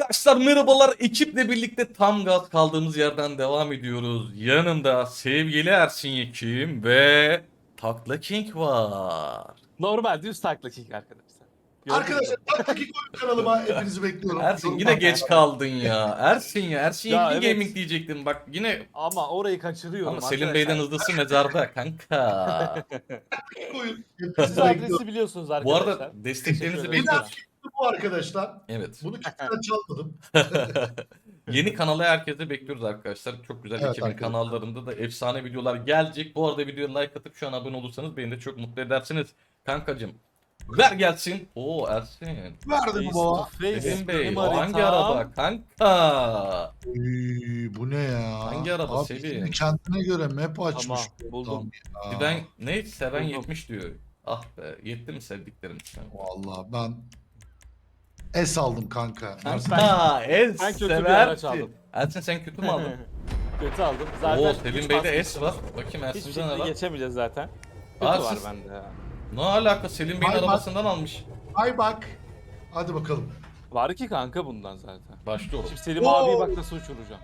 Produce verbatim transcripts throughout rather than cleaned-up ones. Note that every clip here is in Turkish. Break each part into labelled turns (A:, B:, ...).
A: Arkadaşlar merhabalar, ekiple birlikte tam gaz kaldığımız yerden devam ediyoruz. Yanımda sevgili Ersin Yekim ve Takla King var.
B: Normal düz takla kick arkadaşlar. Gördünüz mü?
C: Arkadaşlar Taktaki Koyun kanalıma hepinizi bekliyorum.
A: Ersin yine geç kaldın ya. Ersin ya, Ersin
B: Ya
A: Yekim
B: evet.
A: Gaming diyecektim bak yine.
B: Ama orayı kaçırıyorum
A: Ama Selim
B: arkadaşlar.
A: Bey'den hızlısı mezarda kanka.
C: Koyun.
B: Siz
C: Hepinizi
B: de
C: bekliyorum.
B: adresi biliyorsunuz
A: Bu
B: arkadaşlar.
A: arada desteklerinizi
B: Teşekkür
C: Bir
B: ederim.
A: bekliyoruz.
C: daha bu arkadaşlar.
A: Evet.
C: Bunu kimseden çalmadım.
A: Yeni kanala herkese bekliyoruz arkadaşlar. Çok güzel
C: Evet
A: ekibin
C: arkadaşlar.
A: kanallarında da efsane videolar gelecek. Bu arada videoya like atıp şu an abone olursanız beni de çok mutlu edersiniz. Kankacım ver gelsin. Oo Ersin.
C: Verdim
B: Face
C: baba.
B: to face
A: Selim Bey
B: benim
A: o hangi
B: haritam.
A: araba kanka?
C: Ee, bu ne ya?
A: Hangi araba
C: Abi
A: Selim?
C: şimdi kendine göre map açmış.
B: Tamam,
C: bu
B: buldum.
C: adam ya.
A: Bir ben ne seven
B: Buldum.
A: yetmiş diyor. Ah be yetti mi sevdiklerim sen?
C: Vallahi ben es aldım kanka.
A: Ha en
B: ben kötü bir araç
A: seversin.
B: aldım.
A: Ersin sen kötü mü aldın?
B: Kötü aldım. Zaten
A: Oo
B: üç
A: Selim Bey'de
B: bas
A: S var.
B: geçtim.
A: Bakayım
B: Hiçbir
A: Ersin'de ne
B: şekilde
A: var?
B: geçemeyeceğiz zaten. Kötü
A: Aa,
B: var
A: siz-
B: bende ya.
A: Ne alaka Selim Bey'in
C: Ay, bak.
A: arabasından almış.
C: Ay bak. Hadi bakalım.
B: Var ki kanka bundan zaten.
A: Başlıyorum.
B: Şimdi Selim
C: Oo.
B: abiyi bak nasıl uçuracağım.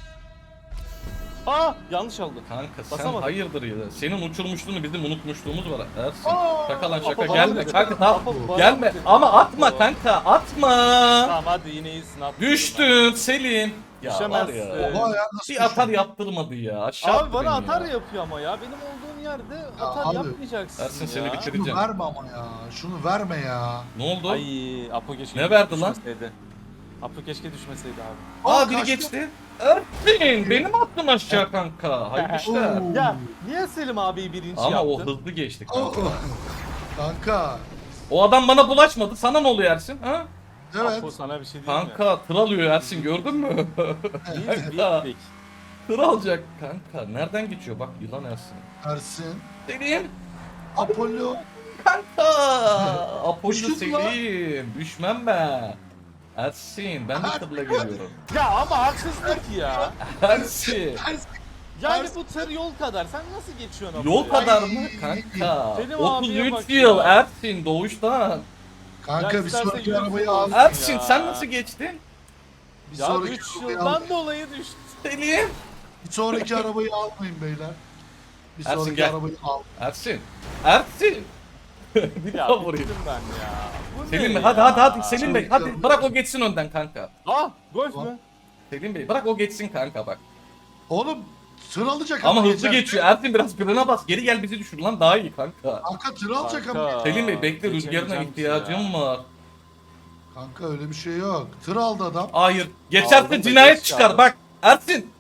B: Aa yanlış aldım.
A: Kanka sen
B: Basamadım.
A: hayırdır ya. Senin uçurmuşluğunu bizim unutmuşluğumuz var Ersin.
C: Aa,
A: Şaka lan şaka
B: Apo,
A: gelme
B: bana-
A: kanka tamam.
B: Apo, bana-
A: Gelme ama atma kanka atma.
B: Tamam hadi yine iyisin at.
A: Düştün Selim. Ya var ya.
B: Düşemezsin.
C: Oha ya nasıl
A: Bir atar
C: düşün?
A: yaptırmadı ya. Aşağı
B: Abi
A: attı
B: bana
A: beni
B: atar
A: ya.
B: yapıyor ama ya. Benim olduğum yerde atar
C: abi,
B: yapmayacaksın
A: Ersin
B: ya.
A: seni bitir-
C: Şunu
A: bitireceğim.
C: verme ama ya. Şunu verme ya.
A: Ne oldu?
B: Ay Apo keşke
A: Ne verdi lan?
B: düşmeseydi. Apo keşke düşmeseydi abi.
A: Aa biri
C: kaçtı.
A: geçti. Ersin benim attım aşağı kanka. Hayır işler.
C: Oo.
B: Ya niye Selim abiyi birinci
A: Ama o
B: yaptın?
A: hızlı geçti
C: Oh,
A: kanka.
C: oh. Kanka.
A: O adam bana bulaşmadı. Sana ne oluyor Ersin? Ha?
C: Evet.
B: Apo sana bir şey diyeyim mi?
A: Kanka tır alıyor Ersin gördün mü?
B: Biz
A: Kanka.
B: bittik.
A: Tır alacak kanka. Nereden geçiyor? Bak yılan Ersin.
C: Ersin.
A: Selim.
C: Apollo.
A: Kanka. Apollo
C: Düştün lan.
A: Selim. Düşmem ben. Ersin ben de tırla geliyorum.
B: Ya ama haksızlık ya.
A: Ersin.
C: Ersin.
B: Yani bu tır yol kadar. Sen nasıl geçiyorsun Apo?
A: Yol
B: ya?
A: kadar mı kanka?
B: Selim
A: otuz
B: abiye
A: üç
B: bak
A: yıl
B: ya.
A: Ersin doğuştan.
C: Kanka
B: Ya
C: bir
B: istersen
C: sonraki
B: yüz
C: arabayı
B: yıl
C: al.
B: olsun.
A: Ersin
B: ya.
A: sen nasıl geçtin?
C: Bir
B: Ya
C: sonraki
B: üç
C: arabayı al.
B: yıldan dolayı düştü.
A: Selim.
C: Bir sonraki arabayı almayın beyler. Bir
A: Ersin,
C: sonraki
A: gel.
C: arabayı al.
A: Ersin. Ersin. bir
B: Ya
A: daha vurayım.
B: bittim ben ya. Bu
A: Selim
B: ne
A: Bey hadi
B: ya?
A: hadi hadi Selim Bey hadi
C: Çabuk.
A: bırak o geçsin önden kanka.
B: Ah golf
C: Tamam.
B: mü?
A: Selim Bey bırak o geçsin kanka bak.
C: Oğlum tır alacak
A: Ama hızlı
C: geçer.
A: geçiyor. Ersin biraz frene bas. Geri gel bizi düşür lan daha iyi kanka.
C: Kanka tır alacak
B: Kanka.
C: ama.
A: Selim Bey bekle
B: geçemeyeceğim
A: rüzgarına
B: ki
A: ihtiyacım
B: ya.
A: var.
C: Kanka öyle bir şey yok. Tır aldı adam.
A: Hayır. Geçerse
B: Aldım da
A: cinayet
B: geç
A: çıkar
B: kaldım.
A: bak. Ersin.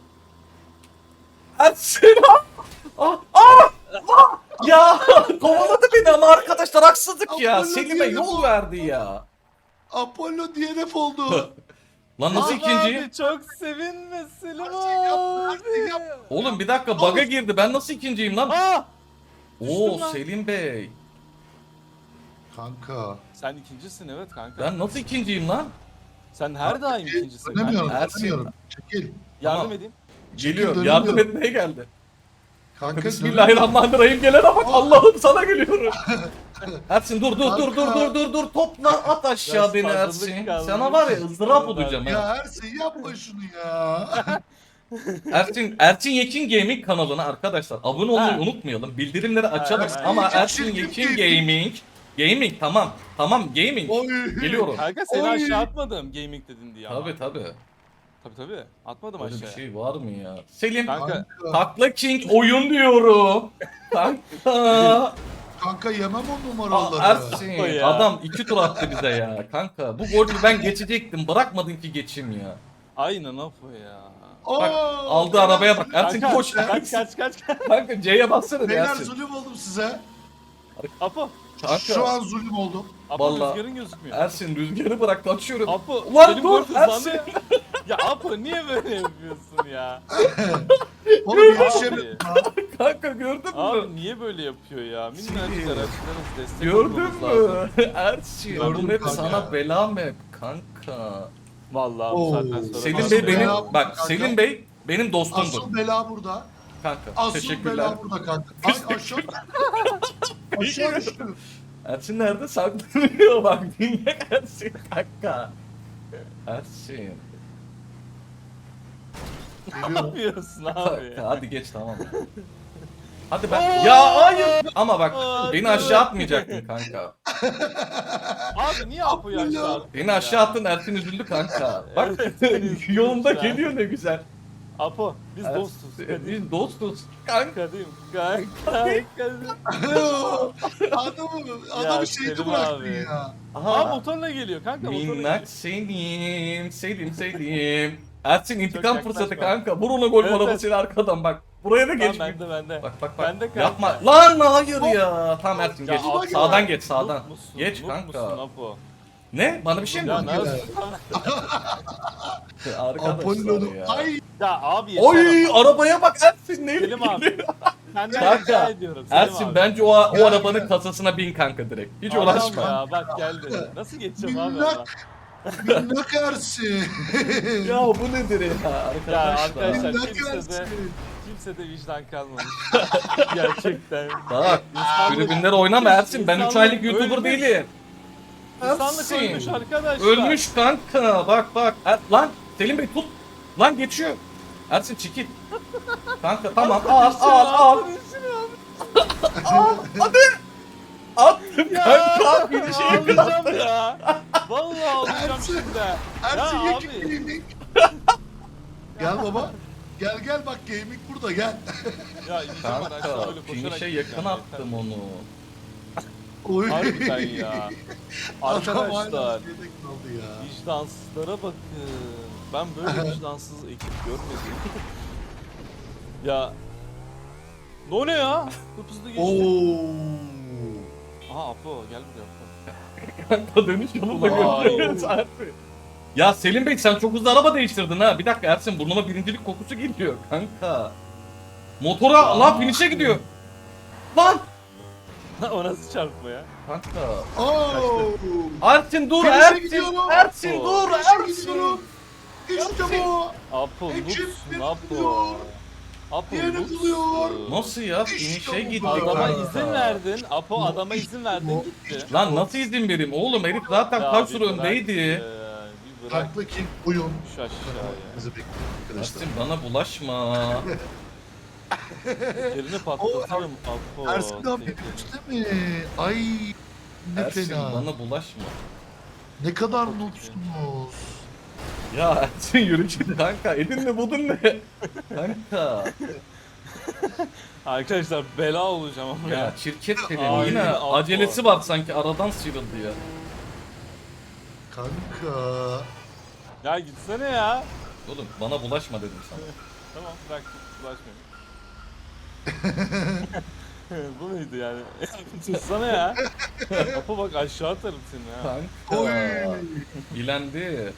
A: Ersin. Ah, ah, ah. Ya kovaladı beni ama arkadaşlar haksızlık ya.
C: Apollo
A: Selim Bey
C: diyelim
A: yol
C: o.
A: verdi ya.
C: Apollo D N F oldu.
A: Lan nasıl
B: Abi
A: ikinciyim?
B: Abi çok sevinme Selim
C: Ersin yapma, Ersin
B: abi.
C: yapma.
A: Oğlum bir dakika bug'a girdi. Ben nasıl ikinciyim lan?
B: Ah!
A: Oo
B: düştüm lan.
A: Selim Bey.
C: Kanka.
B: Sen ikincisin evet kanka.
A: Ben nasıl ikinciyim lan?
B: Sen her daim ikincisin.
C: Dönemiyorum,
B: kanka.
A: Ersin.
C: dönemiyorum. Çekil.
B: Yardım
A: Tamam.
B: edeyim.
A: Geliyor.
C: Çekil,
A: Yardım
C: dönemiyorum.
A: etmeye geldi.
C: Kanka
A: Bismillahirrahmanirrahim gelene bak. Allah'ım sana geliyorum. Ersin dur dur dur dur
C: Kanka.
A: dur dur dur topla at aşağı
B: Biraz
A: beni
B: fazlalık
A: Ersin.
B: kaldı.
A: Sana var ya ızdırap olacağım
C: dönüyorum.
A: ha.
C: Ya Ersin yapma şunu ya.
A: Ersin Ersin Yekin Gaming kanalına arkadaşlar abone olmayı
B: Ha.
A: unutmayalım. Bildirimleri açalım
B: ha.
A: ama
C: Yekin
A: Ersin Yekin
C: Gaming.
A: Gaming Gaming tamam. Tamam gaming.
C: Oy.
A: Geliyorum.
B: Kanka seni
C: Oy.
B: aşağı atmadım gaming dedin diye ama.
A: Tabi tabi.
B: Tabii tabii. Atmadım
A: Böyle bir
B: aşağıya.
A: şey var mı ya? Selim
B: Kanka.
C: Kanka.
A: Takla King oyun diyorum. Kanka.
C: Kanka yemem o
A: Aa,
C: numaraları.
A: Ersin
B: O ya.
A: adam iki tur attı bize ya. Kanka bu golü ben geçecektim. Bırakmadın ki geçeyim ya.
B: Aynen Apo ya.
A: Bak
C: Oo,
A: aldı
C: beyler,
A: arabaya bak. Ersin
B: Kanka,
A: koş.
B: Kaç kaç kaç kaç.
A: Kanka C'ye bassana bir
C: Beyler
A: Ersin.
C: zulüm oldum size.
B: Apo.
A: Kanka.
C: Şu an zulüm oldum.
B: Apo
A: Vallahi-
B: rüzgarın gözükmüyor.
A: Ersin rüzgarı bırak kaçıyorum.
B: Apo.
A: Ulan
B: benim
A: dur,
B: golf hızlandı.
A: Ersin.
B: Ya Apo niye böyle yapıyorsun ya?
C: Oğlum yetişemiyorum.
A: Kanka gördün mü?
B: Abi niye böyle yapıyor ya? Minnacık
A: Sinir.
B: araçlarınız destek
A: Gördün
B: olmamız lazım.
A: mü? Ersin
C: Gördüm
A: bu hep
C: kanka.
A: sana bela mı hep kanka?
B: Vallahi
C: Oo.
B: bu saatten sonra.
A: Selim
C: Asıl
A: Bey benim
C: bela
A: bak
C: kanka.
A: Selim Bey benim dostumdur
C: Asıl bela burada.
A: kanka.
C: Asıl
A: Teşekkürler.
C: bela burada kanka. Ay aşağı. Aşağı düştüm.
A: Ersin nerede saklanıyor bak dinle Ersin kanka. Ersin.
B: Ne
C: Geliyorum.
B: yapıyorsun abi?
A: Kanka, hadi geç tamam. Hadi ben. Ya hayır. Ama bak
B: Aa,
A: beni
B: dur.
A: aşağı atmayacaktın kanka.
B: Abi niye Apo'yu
C: Abdullah.
B: aşağı attın
A: Beni
B: ya?
A: aşağı attın Ersin üzüldü kanka. Bak
B: Evet, ben üzüldüm
A: yolunda
B: şu an.
A: geliyor ne güzel.
B: Apo biz
A: Ersin,
B: dostuz. Kadim.
A: Biz dostuz kanka.
B: Kadim. Kanka. Kadim.
C: adamı,
B: Ya
C: adamı şeyde
B: Selim
C: bıraktın
B: abi.
C: ya.
B: Aa
A: Aha.
B: motorla geliyor kanka motorla geliyor.
A: Minnak Selim, Selim, Selim. Ersin intikam
B: yaklaşma.
A: fırsatı kanka. Vur ona gol
B: Evet,
A: arabasıyla arkadan bak. Buraya da
B: Tamam
A: geç.
B: bende bende.
A: Bak bak bak.
B: Bende kanka.
A: Yapma. Lan hayır ya. Tamam Ersin
B: Ya
A: geç.
B: Apo,
A: Sağdan geç sağdan.
B: noob musun?
A: Geç
B: Noob
A: kanka.
B: musun Apo?
A: Ne? Bana bir şey mi
B: Ya
A: dedin?
B: nasıl?
A: Arkadaşlar
C: Apollo'nun.
A: ya.
C: Ay.
B: Ya abi yeter
A: Oy
B: ama.
A: arabaya bak Ersin ne
B: Selim abi. Senden
A: Kanka,
B: rica ediyorum. Selim
A: Ersin
B: abi.
A: bence o, o
C: Gel,
A: arabanın
C: gel.
A: kasasına bin kanka direkt. Hiç
B: Adam
A: uğraşma.
B: Ya bak geldi. Nasıl geçeceğim abi ama?
C: Minnak. Minnak Ersin.
A: Ya bu nedir ya
B: Ya
A: arkadaşlar?
B: arkadaşlar
C: Minnak
B: kimse de
C: Ersin.
B: kimse de vicdan kalmamış. Gerçekten.
A: Bak
B: İnsanlık-
A: tribünlere oynama Ersin. Ben üç
B: İnsanlık
A: aylık YouTuber
B: ölmüş.
A: değilim.
B: İnsanlık
A: Ersin.
B: ölmüş arkadaşlar.
A: Ölmüş kanka. Bak bak. Er- lan Selim Bey tut. Lan geçiyor. Ersin çekil. Kanka tamam al al al. Al hadi. Attım
B: Ya
A: kanka. Bir şey
B: ağlayacağım ya. Vallahi ağlayacağım
C: Ersin.
B: şimdi.
C: Ersin
B: Ya
C: ye
B: abi.
C: gaming. Gel baba. Gel gel bak gaming burada gel.
B: Ya ineceğim ben aşağı
A: Kanka
B: öyle koşarak
A: finish'e
B: gideceğim
A: yakın
B: ya.
A: attım onu.
C: Oy.
B: Harbiden ya.
C: Adam hala
B: Arkadaşlar
C: şeyde kaldı ya.
B: vicdansızlara bakın. Ben böyle vicdansız ekip görmedim. Ya. Ne o ne ya? Hıp hızlı geçti.
C: Oo.
B: Aha Apo gel buraya Apo.
A: Kanka dönüş yolunda
B: Vay.
A: görüyoruz Ersin. Ya Selim Bey sen çok hızlı araba değiştirdin ha. Bir dakika Ersin burnuma birincilik kokusu geliyor kanka. Motora
B: Ya.
A: lan finish'e gidiyor. Lan.
B: O nasıl çarpma ya?
A: Kanka.
C: Oo.
A: Ersin dur
C: Finish'e
A: Ersin.
C: gidiyorum.
A: Ersin
B: Apo.
A: dur
C: Finish'e
A: Ersin.
C: gidiyorum. İşte bu.
B: Apo
C: Ekip
B: noobsun Apo.
C: yapıyor.
B: Apo
C: Yeni
B: noobsun.
C: buluyor.
A: Nasıl ya?
C: İşte
A: Finish'e
C: bu
A: gitti
C: kadar.
B: Adama
A: kanka.
B: izin verdin. Apo adama izin verdin gitti.
A: Lan nasıl izin vereyim oğlum herif zaten
B: Ya
A: kaç
B: bir
A: tur
B: bırak
A: öndeydi.
B: ya, Bir bırak
C: Taklı King oyun.
B: şu aşağıya.
C: Bizi bekliyor arkadaşlar.
A: Ersin bana bulaşma.
B: Yerini patlatırım Apo.
C: Ersin abi
B: seni.
C: üstte mi? Ay ne
A: Ersin
C: fena.
A: bana bulaşma.
C: Ne kadar noobsunuz.
A: Ya Ersin yürü git kanka. Edin ne budun ne? Kanka.
B: Arkadaşlar bela olacağım ama ya.
A: Ya şirket senin
B: Ay,
A: yine
B: Apo.
A: acelesi var sanki aradan sıyrıldı ya.
C: Kanka.
B: Ya gitsene ya.
A: Oğlum bana bulaşma dedim sana.
B: Tamam bırak bulaşmayayım. Bu muydu yani? Tutsana ya. Apo bak aşağı atarım seni ya.
A: Kanka.
C: Oy.
A: Bilendi.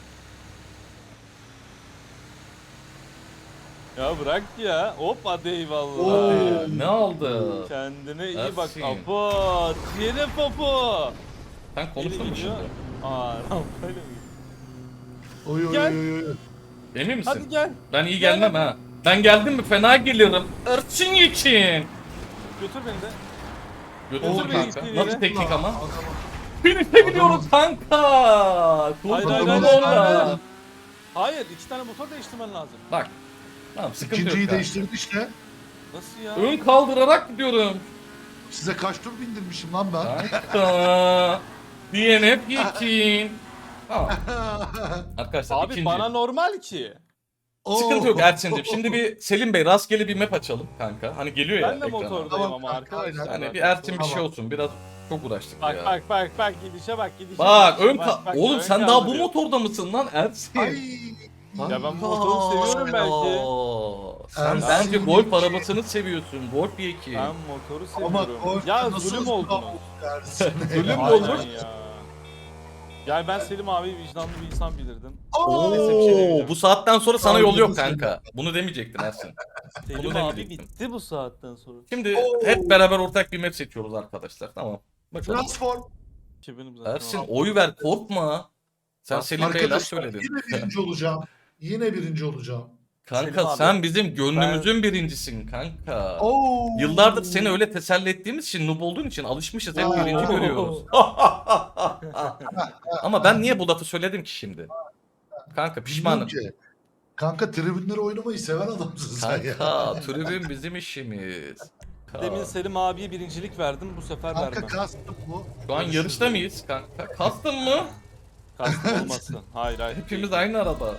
B: Ya bırak ya. Hop hadi eyvallah.
C: Oo.
A: Hadi. Ne oldu?
B: Kendine iyi bak
A: Ersin.
B: Apo. Diğeri Popo.
A: Sen konuştun mu şimdi?
B: Aa öyle mi?
C: Oy oy
B: Gel.
C: oy oy.
A: Emin misin?
B: Hadi gel.
A: Ben iyi
B: Gel
A: gelmem
B: hadi.
A: ha. Ben geldim mi fena gelirim. Ersin için.
B: Götür beni de.
A: Götür
C: Oo,
A: kanka.
B: gittiğin
A: Nasıl
B: yere.
A: teknik ama?
C: Adama-
A: Finish'e gidiyoruz kanka.
B: Hayır, hayır,
A: Kurtuldum
B: hayır, hayır,
A: orada.
B: hayır. Hayır iki tane motor değiştirmen lazım.
A: Bak. Tamam sıkıntı
C: İkinciyi
A: yok kanka.
C: değiştirdi işte.
B: Nasıl ya?
A: Ön kaldırarak gidiyorum.
C: Size kaç tur bindirmişim lan ben.
A: Kanka. D N F için. Tamam. Arkadaşlar
B: Abi
A: ikinci.
B: bana normal ki.
C: Oo.
A: Sıkıntı yok Ersin'cim. Şimdi bir Selim Bey rastgele bir map açalım kanka. Hani geliyor ya
B: Ben de
A: ekrana.
B: motordayım
C: Tamam
B: ama
C: kanka,
B: arkadaşlar.
C: aynen.
A: Hani bir Ersin bir
C: Tamam.
A: şey olsun. Biraz çok uğraştık
B: Bak
A: ya.
B: bak bak bak gidişe bak gidişe.
A: Bak
B: gidişe,
A: ön
B: bak,
A: ka-
B: bak,
A: Oğlum
B: ön
A: sen daha bu
B: kaldırıyor.
A: motorda mısın lan Ersin?
C: Ay.
B: Ya ben motoru seviyorum belki.
A: Sen
C: Ersin.
A: bence golf arabasını seviyorsun. Golf bir iki.
B: Ben motoru
C: Ama
B: seviyorum.
C: golf
B: Ya
C: nasıl
B: zulüm
C: hızlı
B: oldunuz.
C: Ersin?
A: Zulüm
B: Aynen
A: olmuş.
B: ya. Yani ben Selim abi vicdanlı bir insan bilirdim.
C: Oo.
B: Neyse, bir şey demeyeceğim.
A: Bu saatten sonra sana
C: Tamam,
A: yol yok
C: dedim
A: kanka. Bunu demeyecektin Ersin.
B: Selim
A: Bunu
B: abi
A: demeyecektim.
B: bitti bu saatten sonra.
A: Şimdi
C: Oo.
A: hep beraber ortak bir map seçiyoruz arkadaşlar. Tamam. Bakalım.
C: Transform.
B: Ki benim zaten.
A: Ersin oy ver korkma. Sen
B: Bak,
A: Selim Bey'ler
C: Arkadaşlar
A: söyledin.
C: yine birinci olacağım. Yine birinci olacağım.
A: Kanka
B: Selim abi,
A: sen bizim gönlümüzün birincisin kanka.
C: Oo.
A: Yıllardır seni öyle teselli ettiğimiz için, noob olduğun için alışmışız. Hep
C: Aa.
A: birinci görüyoruz. Ama ben niye bu lafı söyledim ki şimdi? Kanka pişmanım.
C: Bilmiyorum ki. Kanka tribünleri oynamayı seven adamsın sen ya.
A: Kanka tribün bizim işimiz. Kanka.
B: Demin Selim abiye birincilik verdim, bu sefer
C: Kanka
B: vermem.
C: kastım bu.
A: Şu an yarışta mıyız kanka? Kastın mı?
B: Kastım olmasın. Hayır hayır.
A: Hepimiz aynı araba.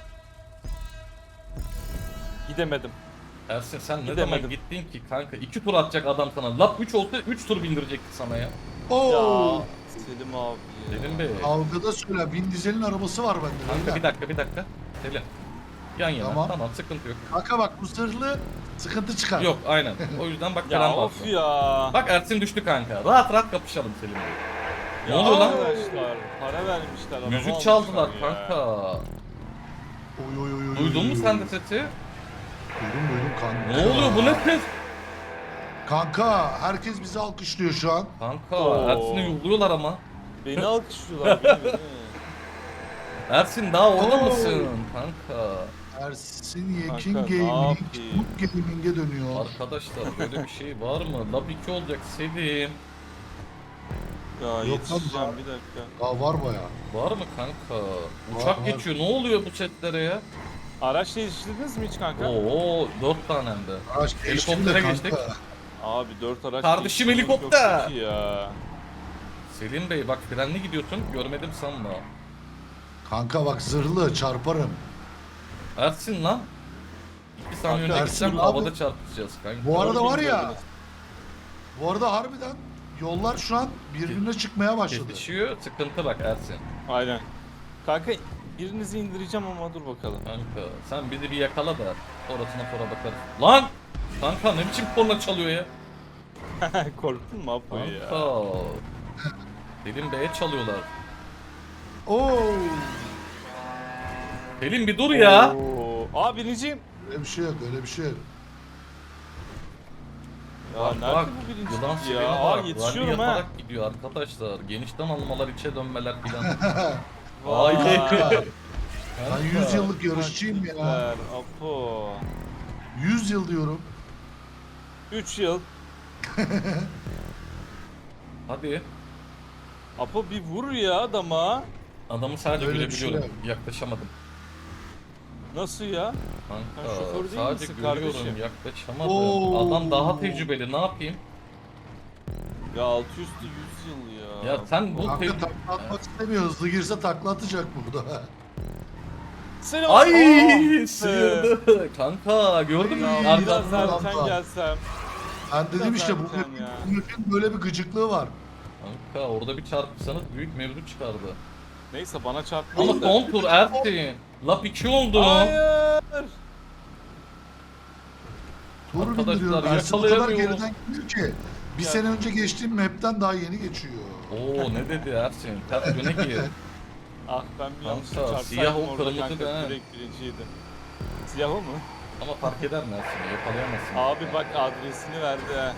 B: Gidemedim.
A: Ersin sen ne
B: Gidemedim.
A: zaman gittin ki kanka? iki tur atacak adam sana. Lap üç olsa üç tur bindirecekti sana ya.
C: Oo.
B: Ya Selim abi ya.
A: Selim Bey.
C: Kavgada söyle. Vin Diesel'in arabası var bende.
A: Kanka
C: beyler.
A: bir dakika bir dakika. Selim. Yan yana tamam,
C: Tamam.
A: sıkıntı yok.
C: Kanka bak bu zırhlı sıkıntı çıkar.
A: Yok aynen. O yüzden bak
B: Ya
A: falan
B: of
A: bastı.
B: ya.
A: Bak Ersin düştü kanka. Rahat rahat kapışalım Selim Bey. Ne
B: Ya
A: oluyor lan?
B: Arkadaşlar para vermişler. araba
A: Müzik
B: almışlar
A: çaldılar
B: ya.
A: kanka.
C: Oy oy oy oy.
A: Duydun mu
C: oy,
A: sen
C: oy.
A: de sesi?
C: Duydum duydum kanka.
A: Ne oluyor bu ne ses?
C: Kanka herkes bizi alkışlıyor şu an.
A: Kanka
B: Oo.
A: Ersin'i yolluyorlar ama.
B: Beni alkışlıyorlar. beni, beni.
A: Ersin daha orada
C: Oo.
A: mısın kanka?
C: Ersin Yekin
B: Kanka, ne
C: Gaming,
B: yapayım?
C: Mut Gaming'e dönüyor.
A: Arkadaşlar böyle bir şey var mı? Lab iki olacak Selim.
B: Ya
C: lan,
B: yetişeceğim
C: var.
B: bir dakika.
C: Aa var baya.
A: Var mı kanka? Uçak
C: var.
A: geçiyor. Ne oluyor bu setlere ya?
B: Araç değiştirdiniz mi hiç kanka?
A: Oo dört tane hem de.
C: Araç geçtim de
A: Helikoptere
C: kanka.
A: geçtik.
B: Abi dört araç
A: Kardeşim
B: değiştirdim,
A: helikopter.
B: çok kötü ya.
A: Selim Bey bak frenli gidiyorsun. Görmedim sanma.
C: Kanka bak zırhlı çarparım.
A: Ersin lan. İki saniye
C: Kanka,
A: önce
C: Ersin
A: gitsem
C: abi.
A: havada çarpışacağız kanka.
C: Bu arada var ya.
B: Gördünüz.
C: Bu arada harbiden yollar şu an birbirine çıkmaya başladı.
A: Kesişiyor. Sıkıntı bak Ersin.
B: Aynen. Kanka birinizi indireceğim ama dur bakalım.
A: Kanka sen bizi bir yakala da sonrasına sonra bakarız. Lan! Kanka ne biçim korna çalıyor ya?
B: Korktun mu Apo ya?
A: Kanka. Selim Bey'e çalıyorlar.
C: Oo.
A: Selim bir dur ya.
B: Oo. Aa birinciyim.
C: Öyle bir şey yok öyle bir şey yok.
B: Ya
A: Bak
B: nerede
A: bak.
B: bu
A: Yılan
B: birincilik
A: sireni
B: ya? Aa
A: var. Rally
B: yetişiyorum ha.
A: yaparak gidiyor arkadaşlar. Genişten almalar, içe dönmeler filan.
B: Vay.
A: Ay.
C: Ben yüz yıllık yarışçıyım ya.
B: Süper Apo.
C: yüz yıl diyorum.
B: üç yıl.
A: Hadi.
B: Apo bir vur ya adama.
A: Adamı sadece
C: Öyle bir şey
A: görebiliyorum. Yaklaşamadım.
B: Nasıl ya?
A: Kanka
B: Sen şoför değil
A: sadece
B: misin
A: görüyorum
B: kardeşim?
A: yaklaşamadım.
C: Oo.
A: Adam daha tecrübeli ne yapayım?
B: Ya altı üstü yüz yıl ya.
A: Ya sen bu
C: Kanka
A: te-
C: takla atmak istemiyor. Hızlı girse takla atacak burada.
B: Selam.
A: Ay
B: Aa,
A: sıyırdı. Kanka gördün mü?
C: Ya,
B: Biraz
A: Arkasından.
C: Arkadan-
B: erken gelsem.
C: Ben dedim işte bu
B: Zaten
C: map'in,
B: ya.
C: bu map'in böyle bir gıcıklığı var.
A: Kanka orada bir çarpışsanız büyük mevzu çıkardı.
B: Neyse bana çarpmayın
A: Ama
B: da.
A: son tur Ersin. Lap iki oldu.
B: Hayır.
C: Tur
A: Arkadaşlar,
C: bindiriyorum. Ersin o kadar
A: yakalayamıyorum.
C: geriden gidiyor ki. Bir
B: Ya.
C: sene önce geçtiğim map'ten daha yeni geçiyor.
A: Oo ne dedi Ersin? Ters yöne gir.
B: Ah ben bir yanlış
A: Kanka,
B: çarpsaydım
A: siyah o,
B: orada
A: kırmızı
B: kanka
A: da ha.
B: direkt birinciydi. Siyah o mu?
A: Ama fark eder mi Ersin? Yakalayamazsın.
B: Abi bak adresini verdi ha.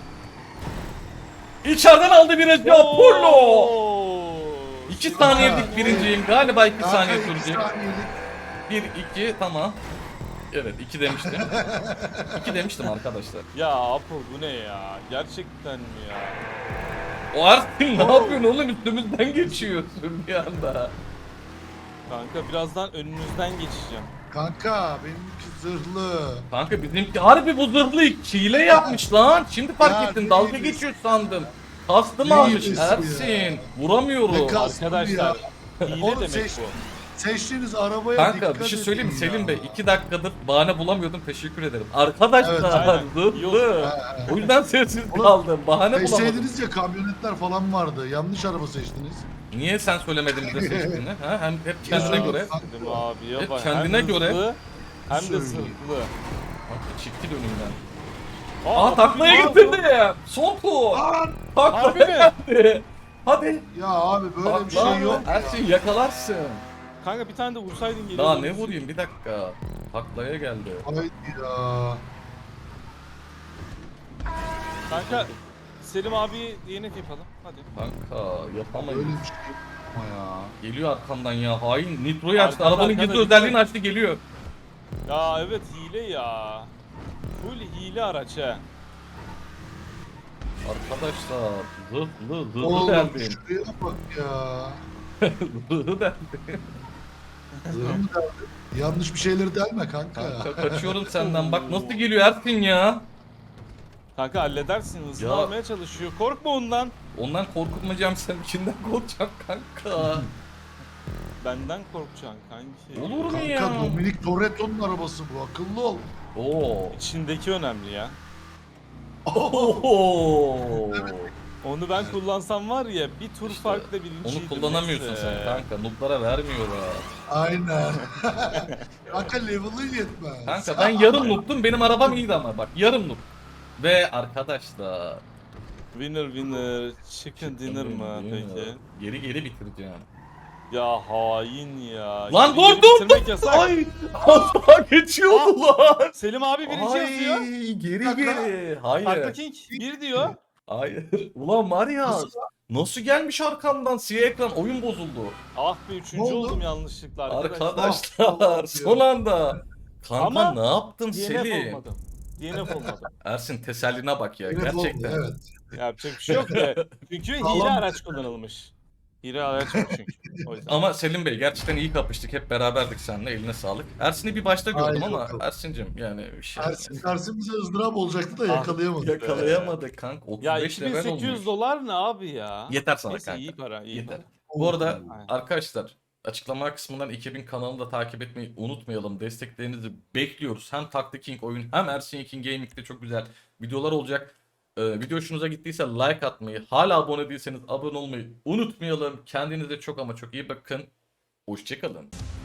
A: İçeriden aldı virajı Apollo.
B: Oo.
A: İki
B: Süper.
A: saniyelik birinciyim. Galiba iki
C: Kanka,
A: saniye
C: iki
A: sürecek.
C: saniyelik.
A: Bir, iki, tamam. Evet, iki demiştim. İki demiştim arkadaşlar.
B: Ya Apo bu ne ya? Gerçekten mi ya?
A: O Ersin ne yapıyorsun oğlum? Üstümüzden geçiyorsun bir anda.
B: Kanka birazdan önünüzden geçeceğim.
C: Kanka benimki zırhlı.
A: Kanka bizimki harbi bu zırhlı hile yapmış lan. Şimdi fark
C: Ya,
A: ettim.
C: ne
A: Dalga
C: hilesi?
A: geçiyor sandım. Kastım
C: Ne
A: almış
C: hilesi
A: Ersin.
C: ya?
A: Vuramıyorum.
C: Ne kas-
B: Arkadaşlar hile
C: Oğlum
B: demek
C: seç-
B: bu.
C: Seçtiğiniz arabaya
A: Kanka
C: dikkat
A: bir şey
C: edin
A: söyleyeyim mi
C: ya.
A: Selim Bey? iki dakikadır bahane bulamıyordum. Teşekkür ederim. Arkadaşlar
C: Evet,
B: aynen.
A: zırhlı.
C: Ha, ha.
A: O yüzden sessiz
C: Oğlum,
A: kaldım. Bahane bulamadım.
C: Seçseydiniz ya kamyonetler falan vardı. Yanlış araba seçtiniz.
A: Niye sen söylemedin bize seçtiğini? Ha? Hem hep kendine
C: Ya,
A: göre.
B: Dedim abi ya
A: Hep
B: bak.
A: kendine
B: hem
A: göre.
B: hızlı, hem de
C: Söyleyeyim.
B: sırtlı.
A: Bak, çekti önümden.
B: Aa,
A: Aa taklaya
B: ne yapıyor?
A: getirdi. Son tur.
C: Lan!
B: Harbi
A: Taklaya
B: mi?
A: geldi. Hadi.
C: Ya abi böyle bir
A: Takla.
C: şey yok ya.
A: Ersin yakalarsın.
B: Kanka bir tane de vursaydın geliyor.
A: Daha ne vurayım bir dakika. Taklaya geldi.
C: Haydi ya.
B: Kanka Selim abi D N F yapalım. Hadi.
A: Kanka
C: Böyle
A: yapamayız.
C: bir şey yapma ya.
A: Geliyor arkamdan ya. Hain Nitro'yu açtı.
B: Arkada,
A: Arabanın
B: arkada,
A: gizli
B: dikkat.
A: özelliğini açtı geliyor.
B: Ya evet hile ya. Full hile araç he.
A: Arkadaşlar zırhlı zırhlı
C: Oğlum
A: derdim.
C: şuraya bak ya.
A: Zırhlı derdim.
C: Zırhı mı derdin? Yanlış bir şeyleri delme kanka.
A: Kanka kaçıyorum senden. Bak nasıl geliyor Ersin ya.
B: Kanka halledersin. Hızını
A: Ya.
B: almaya çalışıyor. Korkma ondan.
A: Ondan korkutmayacağım, sen içinden korkacağım kanka.
B: Benden korkacaksın kanki.
A: Olur mu
C: Kanka
A: ya?
C: Dominic Toretto'nun arabası bu. Akıllı ol.
A: Oo.
B: İçindeki önemli ya.
A: Oho.
B: Onu ben kullansam var ya bir tur
A: İşte
B: farkla birinciydim.
A: Onu kullanamıyorsun
B: Neyse.
A: sen kanka. Noob'lara vermiyor ha.
C: Aynen. Kanka level'ın yetmez.
A: Kanka ben yarım noob'tum, benim arabam iyiydi ama bak yarım noob. Ve arkadaşlar.
B: Winner winner chicken dinner mı
A: Dinner.
B: peki?
A: Geri geri bitireceğim.
B: Ya hain ya.
A: Lan
B: Geri
A: dur
B: geri
A: dur
B: bitirmek
A: dur.
B: yasak.
A: Ay. Asla geçiyordu lan.
B: Selim abi birinci yazıyor.
A: Ay geri
C: Kanka.
A: geri. Hayır.
B: Farklı King bir diyor.
A: Hayır. Ulan var ya.
C: Nasıl
A: Nasıl gelmiş arkamdan siyah ekran, oyun bozuldu.
B: Ah be
C: Ne
B: üçüncü
C: oldu?
B: oldum yanlışlıkla arkadaşlar.
A: Arkadaşlar son anda. Kanka
B: Ama
A: ne yaptın
B: D N F
A: Selim?
B: olmadım. D N F olmadım.
A: Ersin teselline bak ya
C: Level oldu,
A: gerçekten.
C: evet.
B: Yapacak bir şey yok be. Çünkü hile
C: Sağlam.
B: araç kullanılmış. Hile araç yok çünkü. O yüzden.
A: Ama Selim Bey gerçekten iyi kapıştık. Hep beraberdik seninle. Eline sağlık. Ersin'i bir başta gördüm
C: Haydi
A: ama
C: bakalım.
A: Ersin'cim yani bir şey.
C: Ersin, Ersin bize ızdırap olacaktı da
B: Ah,
C: yakalayamadık.
A: Yakalayamadık kanka. otuz
B: Ya
A: beş level
B: iki bin sekiz yüz
A: olmuş.
B: dolar ne abi ya?
A: Yeter sana
B: Neyse
A: kanka.
B: iyi para, iyi
A: Yeter.
B: para.
A: Bu arada
B: Aynen.
A: arkadaşlar açıklama kısmından iki bin kanalını da takip etmeyi unutmayalım. Desteklerinizi bekliyoruz. Hem Taktik King oyun hem Ersin King Gaming'de çok güzel videolar olacak. Ee, video hoşunuza gittiyse like atmayı, hala abone değilseniz abone olmayı unutmayalım. Kendinize çok ama çok iyi bakın. Hoşçakalın.